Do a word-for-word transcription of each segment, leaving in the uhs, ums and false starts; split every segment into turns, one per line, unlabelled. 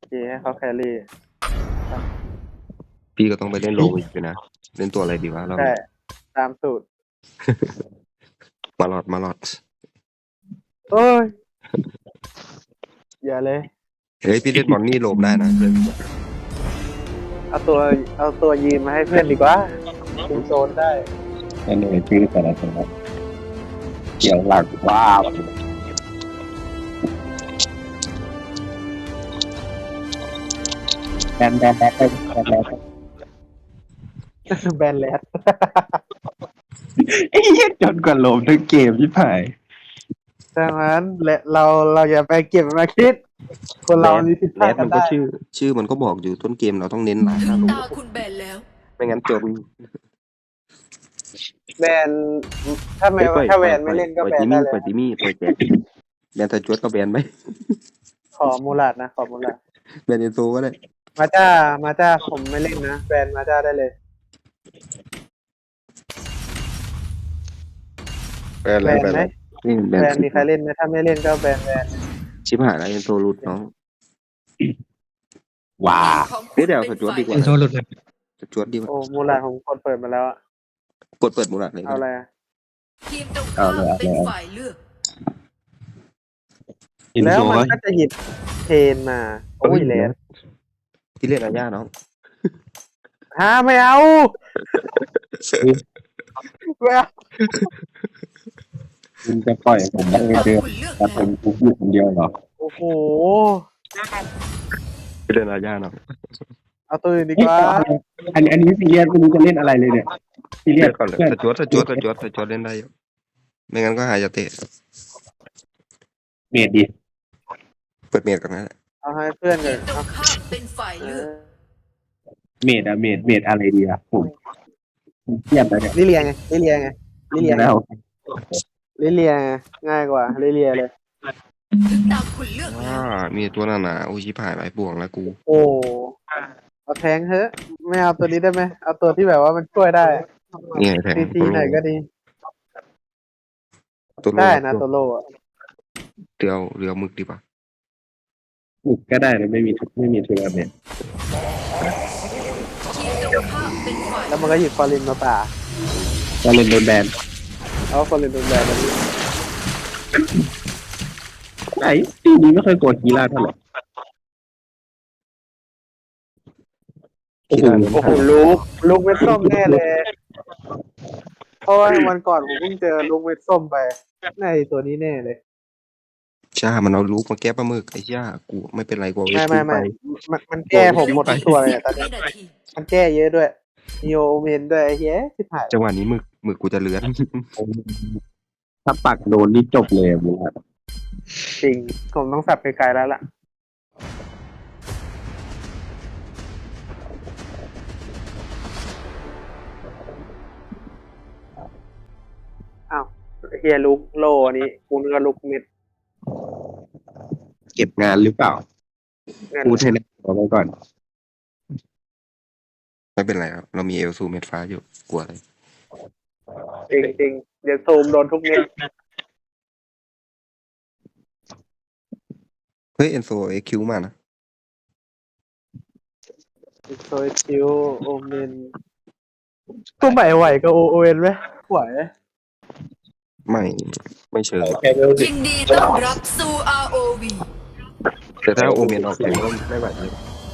เคให้เขาแครี่
พี่ก็ต้องไปเล่นโลวิกอยู่นะเล่นตัวอะไรดีวะเรา
ใช่ตามสูตร
มาลอดมาลอด
โอ้ยอย่าเลย
เฮ้ยพี่เล่นบอลนี่โลมได้นะเลย
เอาตัวเอาตัวยืนมาให้เพื่อนดีกว่าคุมโซนได้
นั่นเองชื่อแต่ละตัวเกี่ยวหลักว้าวแบนแบนแบนแบนแบนแบน
แบนแลด
ไอ้เหี้ยจนกว่าโลมทั้งเกมที่ผ่าย
ดังนั้นและเราเราอย่าไปเก็บมาคิด คนเรามีผิดพ
แร
ลาด
ด
กั
มัน นก็
ได้
ชื่อ ชื่อมันก็บอกอยู่ต้นเกมเราต้องเน้นหลาย
ถึ
ห้าง โล
ตาคุณแบนแล้ว
ไม่งั้นจน
แบนถ้าไม่ถ้าแบนไม่เล่นก็แบนได้เลย
ปล่อยจิมี่ปล่อยแจ็คแบนตาจวดก็แบนไหม
ขอมูลาดนะขอมูลาด
แบนเอนโซก็ได้
มาจ้ามาจ้าผมไม่เล่นนะแบนมาจ้าได้เลย
แบน
แบ
แล้ว
น
แบน
ไหม
นี่แบ
แบ
น
นมีใครเล่นไหมถ้าไม่เล่นก็แบนแบน
ชิบหายแล้วเอนโซรุดน้อง
ว้า
ของคุ
เฮ้ย
ณ
เดี๋ยว
เป็น
สจวดดีกว่า
ฝ่าย
โซหลุดเลย
ตาจวดดีกว่า
โอ้มูลาดผมกดเปิดมาแล้วอะ
กดเปิดมูลาดเลย
เอาอะไรอะ
ทีมตรงข้ามเป็นฝ่ายเลือก
อิน
แล้ว
โซ
มันก็จะหยิบเทนมาโอ้ยแลด
พี่เล่นอาญาน้อง
ฮะไม่เอาไม่เอา
คุณจะปล่อยผมได้
ของ
เดือน
คุณเลือก
แต่
แล้ว
เป็นกูอยู่คนเดียวเหรอ
โอ้โห
พี่เล่นอาญาน้อง
เอาตัวอื่นดีกว่า
อันนี้อันนี้ซีเรียสไม่รู้จะเล่นอะไรเลยเนี่ยซีเรีย
เล่
ส
นก่อนเลย
เพื่อน
ตาจวดตาจวดตาจวดตาจวดเล่นได้อยู่ไม่งั้นก็หายาเตะ
เมดดิ
เปิดเมดก่อนนะ
เอาให้เพื่อนเล
ที
ย
มตรงข้ามเป็นฝ่าย
เอ
เลือก
อ
เมดอะเมดเมดอะไรดีอะผมเครียดเลยเนี่ย
ลิเลียไงลิเลียไงลิเลียไง
แล้ว
ลิเลียไงง่ายกว่าลิเลียเลย
ถึงตาคุณเลือก
อ่า
แล้ว
มีตัวหนาหนาๆโอ้ยชิบหายหลายบ่วงแล้วกู
โอ้เอาแทงเถอะไม่เอาตัวนี้ได้ไหมเอาตัวที่แบบว่ามันช่วยได้
นี่ไงแทง
ซีซีหน่อยก็ดี
ตัวโล
ได้นะตัวโลอะ
เรือเรือมึกดีป่ะ
อุกก็ได้นะไม่มีไม่มีทัวร์เมด
ทีมตรงข้ามเป็นฝ่าย
แล้วมันก็หยิบฟอรินมาป่า
ก็เล่นโดนแบน
เอาฟอรินโดนแบนแบบนี้
ไอ้ทีนี้ไม่เคยกดกีฬาเท่าไหร่โอ้โห
โอ้โหลูกลูกเม็ดส้มแน่เลยเพราะว่าวันก่อนผมเพิ่งเจอลูกเม็ดส้มไปในตัวนี้แน่เลย
จ้ามันเอาลูกมาแก้ปลาหมึกไอ้ย่ากูไม่เป็นไรกูเอา
ไม่
ไว้
ไม่
ไป
ไม่มันมันแก้ผมหมดทุกตัวเลยอะตอน
วิ
นี้
นาที
มันแก้เยอะด้วยมีโอเมนด้วยไอ้เหี้ยสิบหาย
จังหวะนี้หมึกหมึกกูจะเลือน
ถ้าปักโดนนี่จบเลยมึงครับ
จริงผมต้องสับไปไกลแล้วล่ะอ้าวเฮียลุกโลอันนี้กูนึกว่าลุกเม็ด
เก็บงานหรือเปล่า
เงิน
พูดให้แน่เอาไว้ก่อน
ไม่เป็นไรครับเรามีเอลซูเม็ดฟ้าอยู่กลัวอะไร
จริงจริงเดี๋ยวซูมโดนทุกเม็ด
เฮ้ยเอนโซเอ็กคิวมานะ
โซยชิวโอเมนตัวใหม่ไหวกับโอเอ็นไหมไหว
ไม่ไม่เชิง
ยินดีต้อนรับสู่ อาร์ โอ วี
แต่ถ้าโอเมนออกแข่งก็ไม่ไหวเลย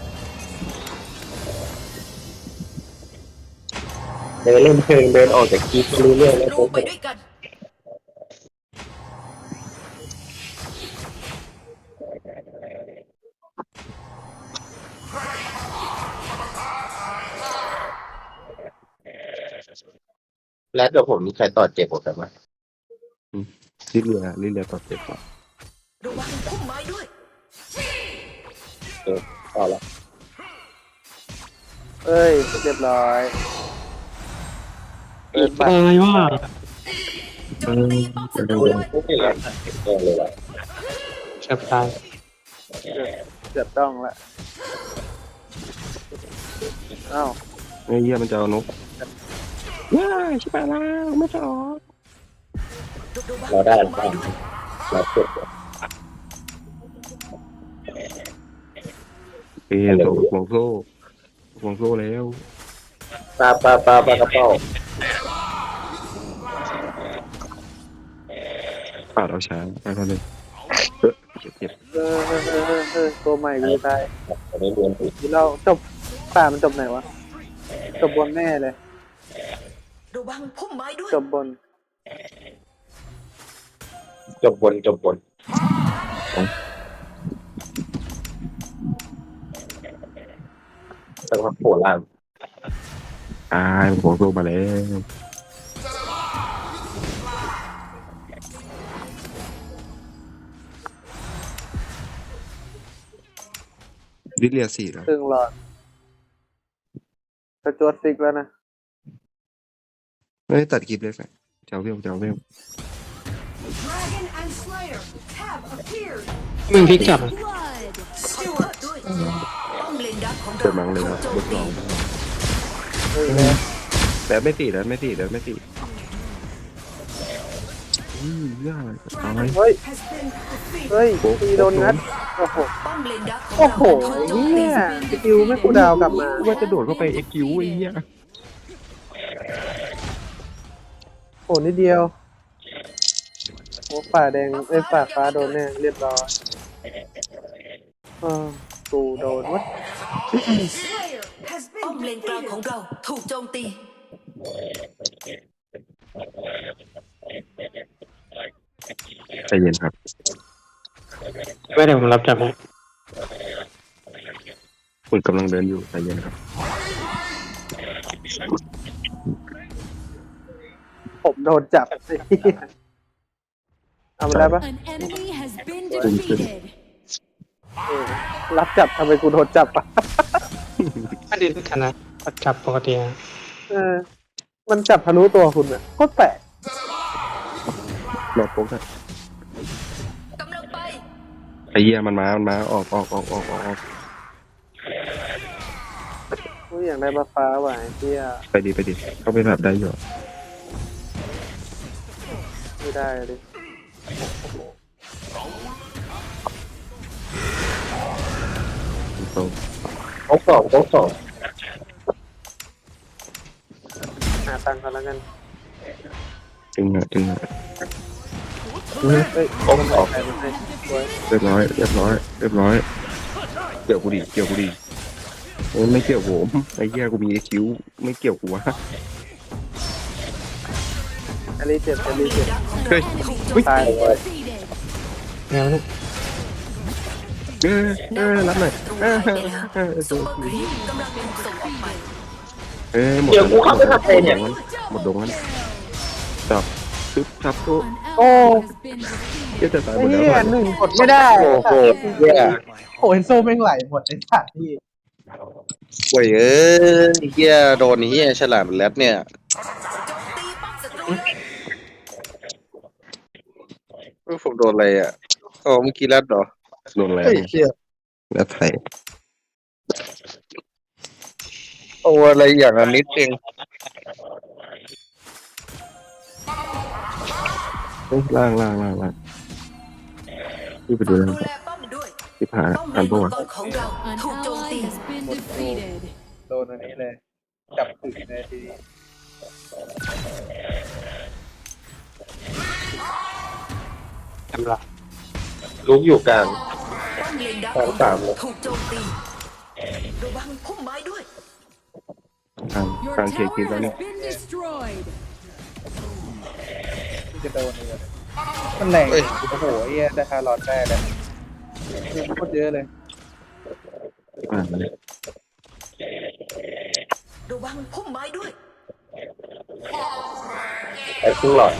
เดินเล่นเพลงเดินออกจากกีไม่รู้เรื่องแล้ว
ลงไปด้วยกัน
แล้วกับผมมีใครต่อเจ็บผมไหม
ลิเลียลิเลียต่อเจ็บก่อน
ระวังพุ่มไม้ด้วย
ต่อละ
เอ้ยเรียบร้อยเปิดบัตร
อะไรวะ
โจมตีป้อมศัตรูเลย
ไม่เป็นไรเออเลยว่ะ
แชบตาย
เกือบต้องละอ้าว
ไอ้เหี้ยมันจะเอานกว้าชิบหายแล้วไม่จะออก
เราได้เราได้เราเจ็บ
เปลี่ยนตัวห่วงโซ่ห่วงโซ่แล้ว
ปลาปลาปลาปลากระเป๋า
ปาดเอาช้างไปเขาเลยเออเจ็บเจ็บ
เออเออเออเออเออตัวใหม่กูตาย
ไม่เรียน
ทีเราจบป่ามันจบไหนวะจบบนแน่เลย
ระวังพุ่มไม้ด้วย
จบบน
จบบนจบบนแต่ว่าโผล่ล่าง
ตายห่วงโซ่มาแล้วดิเลียสี่แล้ว
ครึ่งหลอดกระจวดฟิกแล้วนะ
ไม่ได้ตัดคลิปเลยแฟนเจ้าเวลเจ้าเวล
Dragon and Slayer have appeared
มึงพลิกจับอะ
ขอโทษด้วยป้อมเลนดักของ
เกิ
เรา
ดมังเลยครับ
ถู
บ
ก
ท
โจ
ส
ม
อง
ตี
เฮ้ยแล้ว
แล้วไม่ตีแล้วไม่ตีแล้วไม่ตีอืมยากตาย
เฮ้ย
has been defeated
เฮ้ยตีโดนงัดโอ้โห
ป้อมเลนดักของ
โอ้
เรา
โห
ถูกโจม
เฮี
ตี
ยสกิลไม่กูดาวกลับมา
ว่าจะโดดเข้าไปเอ็กคิวไอ้เหี้ย
โอ้นิดเดียวโอ้ฝ่าแดงไอ้ยฝ่าฟ้าโดนแน่เรียบร้อยอ่ากูโดนวะ
ป้อมเลนกลางของเราถูกโจมตี
ใจเย็นครับ
ไม่เดี๋ยวผมรับจับให้
คุณกำลังเดินอยู่ใจเย็นครับ
ผมโดนจับไอ้เหี้ยเอาไปได้ปะ
An enemy has been defeated.
เออรับจับทำไมกูโดนจับอ่ะ
ไม่ได้ชนะจับปกตินะ
เออ มันจับทะลุตัวคุณอ่ะโคตรแปลก
รอโป๊กอะ
กำลังไป
ไอ้เหี้ยมันมา มันมา ออกออกออกออกออกออก
กูอยากได้บัฟฟ้าว่ะไอ้เหี้ย
ไปดิไปดิเข้าไปแบบได้อยู่
ไม่ได้เลย
โซ่
โต๊ะสองโต๊ะสอง
หาตังค์กันแล้วกัน
จึงอะจึงอะ
เฮ้ย
โต๊ะสอง
ใครมันให้สวย
เรียบร้อยเรียบร้อยเรียบร้อยเกี่ยวกูดิเกี่ยวกูดิโอ้ไม่เกี่ยวผมไอ้เหี้ยกูมีคิ้วไม่เกี่ยวกูวะ
อลีเจ็บอลีเจ็บ
เฮ้ย
ตาย
Defeated.
แนวนี้
เออเออรับหน่อยเออเออเออ
ซุปเปอร์ครีมกำลังถูกส่งออกไป
เออหมด
เดี๋ยวกูเข้าไปทำอะไรเนี่ย
หมดดงนั้นจับซึบทับตัว
An ally has been
เหี้ย
defeated.
จะตายหม
ไอ้
ดแล้ว
เหี้ยหนึ่งกดไม่ได้
โอ้โหเหี้ย
โอ้ยโซ่แม่งไหลหมดไอ้สัตว์ที่
โว้ยเอ้ยเฮียโดนเฮียฉลามแรดเนี่ย
ตีป้อมศัตรู
เอ้ยผมโดนอะไรอ่ะอ๋อเมื่อกี้แรดเหรอ
โดนแล้ว
เฮ้ยเฮีย
แล้วไทย
โอ้อะไรอย่างอันนิดเอง
เฮ้ยล่างล่างล่างล่างนี่ไปดู
ดู
นะ
แลป้อมด้วย
ที่ผ่าน
ป้อมเล
ผ่าน
น
ปะ
มั
วะ
งกรของเรา
An
ถูกโจม
ally
ตี
has been defeated.
โดนอันนี้เลย จับถึงเลยทีนี้
จำละ
ลุกอยู่กลาง
ป้อมเลนดัก
สองสามเลย
ถูกโจมตีระวังพุ่มไม้ด้วย
กลาง
Your
กลางเคลียร์
tower
คลิปแล้วเนี่ย
has been destroyed.
ที่จะโดนเลยมันแรง
เอ้ย
โอ้โหไอ้เหี้ยได้คาร์ลอดได้เลยเงินโคตรเยอะเลย
อ่าเลย
ระวังพุ่มไม้ด้วย
ไอ้ครึ่งหลอด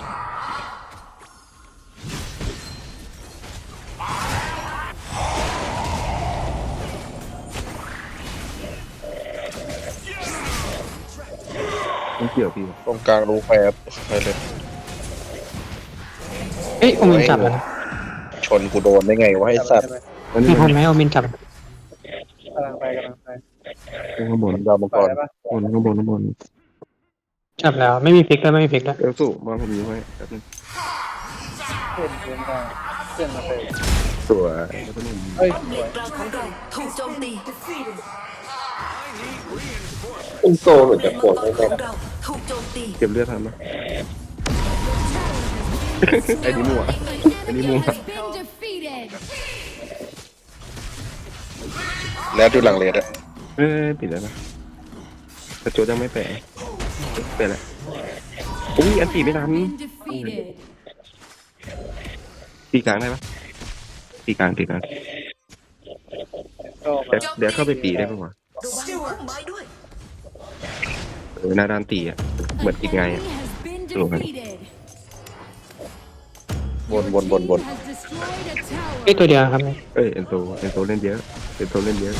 ไม่เกี่ยวพี่
ตรงกลางรูแฟบไปเลย
เฮ้ยโอมินจับแล้วนะ
ชนกูโดนได้ไงวะไอ้สัตว์
แล้ว
มี
นี่
คนไหมโอมินจับ
กำลังไปกำลังไป
ข้างบน
ดาวมัง
ปล่
ก
อย
ร
ได้ปะ
ข้างบนข้างบนข้างบน
จับแล้วไม่มีพลิกแล้วไม่มีพลิกแล้ว
เอลสูมาผมอยู่ให้แป๊บนึง
เพื่อนเพื่อนได้เพื่อนมาเตะ
สวยแล้วก็นุ่ม
เฮ้ย
ป้อมเลนกลางของเราถูกโจมตี
เป็นโซเหมือน
เล
จะ
น
โค
มัง
ตร
กร
ไม่
ข
ได้
องเราถูกโจมตี
เก็บเลือดทันไหมไอ้นี่มั่วไอ้นี่มั่ว
Has been defeated.
แล้วดูหลังเลดอะ
เอ้ยปิดแล้วนะแต่โจยังไม่แปะแปะแล้วอุ้ยอันตีไม่ทัน
Been defeated.
ตีกลางได้ปะตีกลางตีกลาง
ก็
เดี๋ยวเดี๋ยวเข้าไปตีได้ปะวะ
ระวังพุ่มไม้ด้วย
เออหน้าด้านตีอ่ะเหมือน
An
อีกไง
enemy
อ่ะ
has been
Rồi.
defeated.
วนวนวนวน
Has destroyed a tower.
ไอ้ตัวเดียวครับเนี่ย
เอ้ยเอ็นโซเอ็นโซเล่นเยอะเอ็นโซเล่นเยอะ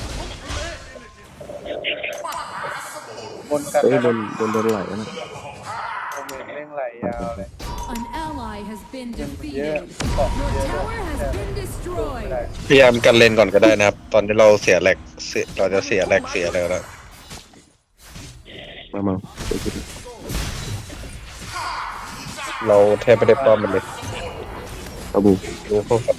บนกัน
เอ้ย
แล้ว
โดนโดนโดนไหลแล้วนะ
โอเมนเร่งไหลยาวเลย
An ally has been
เยอะ
defeated.
ของ
Your
เยอะ
tower has been
ไม่
destroyed.
ได้
พยายามกันเลนก่อนก็ได้นะครับ ตอนที่เราเสียแหลกเสียเราจะเสียแหลกเสียอะไรแล้ว
มามาเดี๋ยวกูดู
เราแทบไม่ได้ป้อมมันเลย
เอาบู
รู้พวก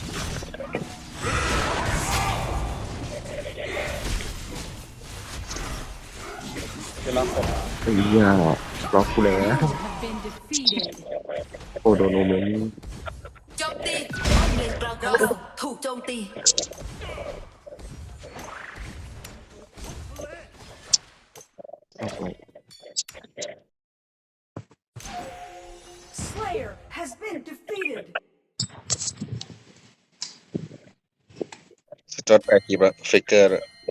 จะรับผม
ไอ้ยาล็อกกูแล้ว
Have been defeated.
โอ้โดนโอเมน
โจมตีป้อมเลนกลางของเราถูกโจมตี
เอาไป
Slayer has been defeated
สจอตแปรกีบอะฟิกเกอร์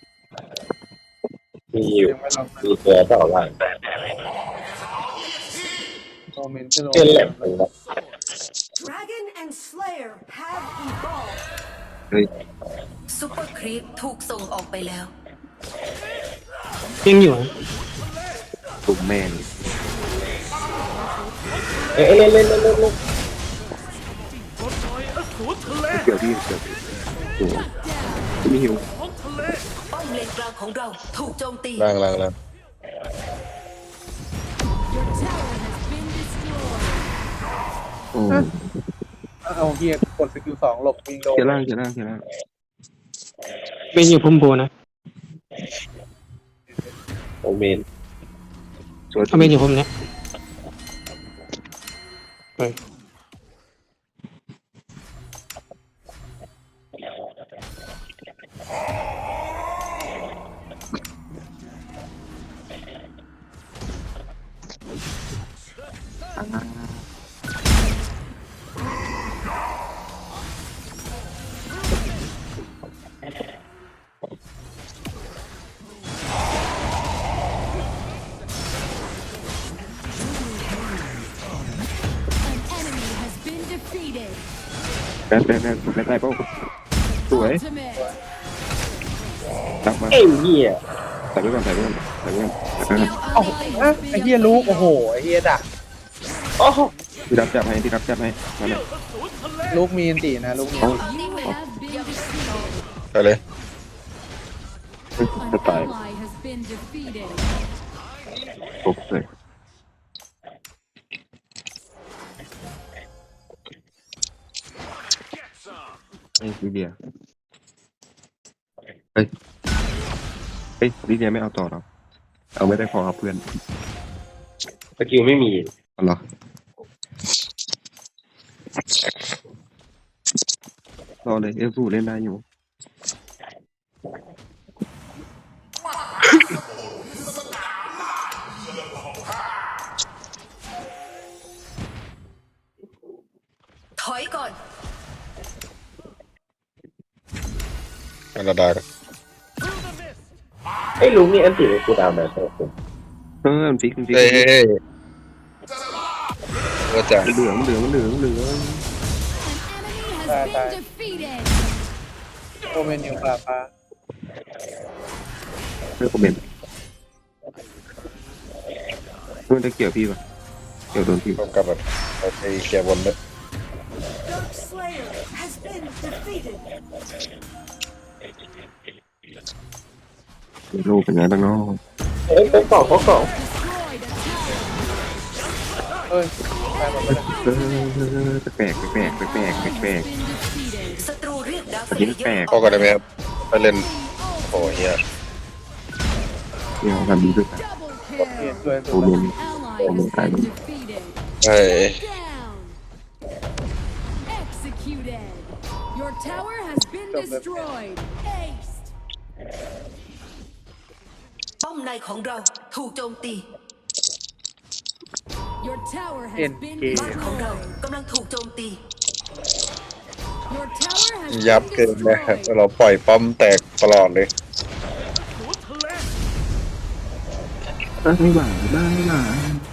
มีอยู่
ยังไม่ลอง
มีตัวเปล่าล่าง
โอเมนขึ้นโอ
เป็น
เม
แหล
น
มเลยนะ
Dragon and Slayer have evolved
เฮ้ย
ซุปเปอร์ครีปถูกส่งออกไปแล้ว
ยังอยู่อะ
ตุ่มแม่ง
เอ้ยเล่นเล่นเล่นเล่นเล่น
เกี่ยวที่เกี่ยวที่โอ้โหไม่หิว
ป้อมเลนกลางของเราถูกโจมตี
ล่างล่างล่าง
Your tower has been destroyed.
โอ้
เอาเฮียกดสกิลสองหลบวิงโด
เขียร่างเขียร่างเขียร่าง
เป็นอยู่พุ่มโบนะ
โอเมน
สวย
เอาเป็นอยู่พุ่มเนี้ยเฮ้ย
An enemy has been defeated.
แบนแบนแบนแบนได้ป่ะสวย
Ultimate.
ตักมา
เอ้ยเหี้ย
ใส่ไว้ก่อนใส่ไว้ก่อนใส่ไว้ก่อนใส่ไว้ก่อน
เอ้าอ่ะไอ้เฮียลูกโอ้โหไอ้เฮียดัก
โอ้โห
พี่รับจับให้พี่รับจับให้มาเลย
ลูกมีอันตีนะลูกมี
เอา
You have been defeated.
ไปเลย
จะ
An
ตาย
ally has been defeated.
ครบเลยไอ้ลิเดียเฮ้ยเฮ้ยลิเดียไม่เอาต่อหรอเอาไม่ได้พอครับเพื่อน
สกิลไม่มี
เอาเหรอรอเลยเอฟฟูเล่นได้อยู่
ถอยก่อน
อาราดา
ไอ้ยลุงนี่อันติในกูดาวน์นะผม
เออมันฟิกมันฟิก
เฮ้ยเฮ้ยเฮ้ยว่าจะ
เหลืองเหลืองเหลืองเหลือง
An enemy has been defeated.
โอเมนอยู่ป่าฟ้า
เลือกคอมเมนต์เพื่อนจะเกี่ยวพี่ปะเกี่ยวโดนพี่
ต้องกลับแบบไปเคลียร์บนด้วย
Dark Slayer has been defeated
โลกเป็นไงบ้างเนาะ
เอ้ยเป็นกล่องเขากล่อง
Destroyed a tower.
เอ้ยตายหมดแล้ว
เออแปลกแปลกแปลกแปลกแปลกแปลก
Been defeated.
ศัตรู
อันนี้แปลก
พอกันได้ไหมครับไปเล่นโอ้เฮีย
เนี่ยทำดีด้วยกัน
Double
เปลี่ยน
kill.
ช่วย
โอ้โห
An ally has been defeated.
ใช่
Down. Executed. Your tower has been destroyed. Ace.
ป้อมในของเราถูกโจมตี
Your tower has
End
been
game.
บ้านของเรา
destroyed.
กำลังถูกโจมตี
Your tower has
ยับ
been
เกินนะครับ
destroyed.
เราปล่อยป้อมแตกตลอดเลย
ไม่ไหวบ้าไม่ไหว